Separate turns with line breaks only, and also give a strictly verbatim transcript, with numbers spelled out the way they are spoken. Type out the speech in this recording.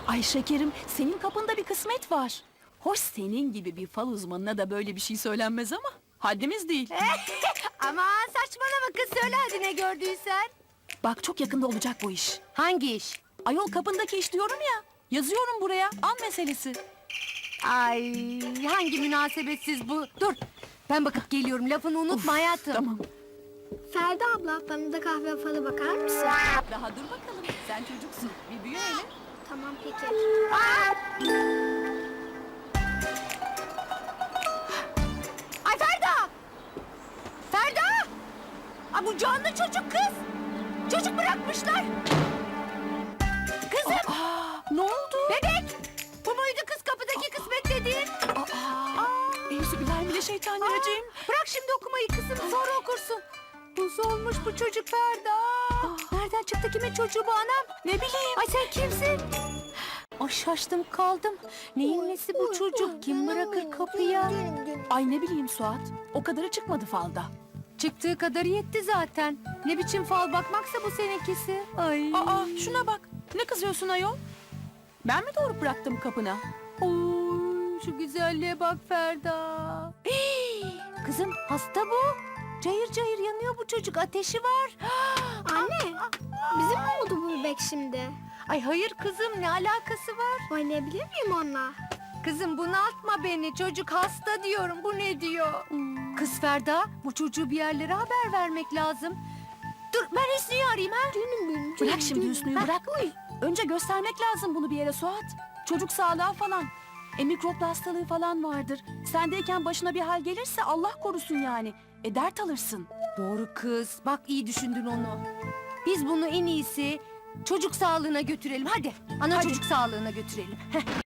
Ay şekerim, senin kapında bir kısmet var. Hoş senin gibi bir fal uzmanına da böyle bir şey söylenmez ama haddimiz değil.
Aman saçmalama kız, söyle hadi ne gördüysen.
Bak çok yakında olacak bu iş.
Hangi iş?
Ayol kapındaki iş diyorum ya. Yazıyorum buraya, an meselesi.
Ay hangi münasebetsiz bu. Dur ben bakıp geliyorum, lafını unutma hayatım.
Tamam.
Ferda abla, bana da kahve falı bakar mısın?
Daha dur bakalım, sen çocuksun. Bir büyü hele.
Tamam peki.
Ay Ferda! Ferda! Ay bu canlı çocuk kız. Çocuk bırakmışlar. Kızım!
Aa, ne oldu?
Bebek! Bu muydu kız kapıdaki kısmet dediğin?
Aa, Euzubillahimineşşeytanirracim.
Bırak şimdi okumayı kızım, sonra okursun. Buz olmuş bu çocuk Ferda. Nereden çıktı, kimin çocuğu bu anam?
Ne bileyim.
Ay sen kimsin? Ay şaştım kaldım. Neyin nesi bu çocuk? Kim bırakır kapıya?
Ay ne bileyim Suat. O kadarı çıkmadı falda.
Çıktığı kadarı yetti zaten. Ne biçim fal bakmaksa bu seninkisi. Ay.
Aa, şuna bak. Ne kızıyorsun ayol? Ben mi doğru bıraktım kapına?
Oy, şu güzelliğe bak Ferda. Hii, kızım hasta bu. Cayır cayır yanıyor bu çocuk. Ateşi var.
Anne, bizim mi oldu bu bebek şimdi?
Ay hayır kızım, ne alakası var?
Oynayabilir miyim onunla?
Kızım bunaltma beni. Çocuk hasta diyorum. Bu ne diyor? Kız Ferda, bu çocuğu bir yerlere haber vermek lazım. Dur ben Hüsnü'yü arayayım ha.
Canım benim,
Bırak şimdi Hüsnü'yü bırak. Önce göstermek lazım bunu bir yere Suat. Çocuk sağlığı falan. E mikroplu hastalığı falan vardır. Sendeyken başına bir hal gelirse Allah korusun yani. E dert alırsın.
Doğru kız. Bak iyi düşündün onu. Biz bunu en iyisi çocuk sağlığına götürelim. Hadi. Ana
Hadi.
çocuk sağlığına götürelim. Heh.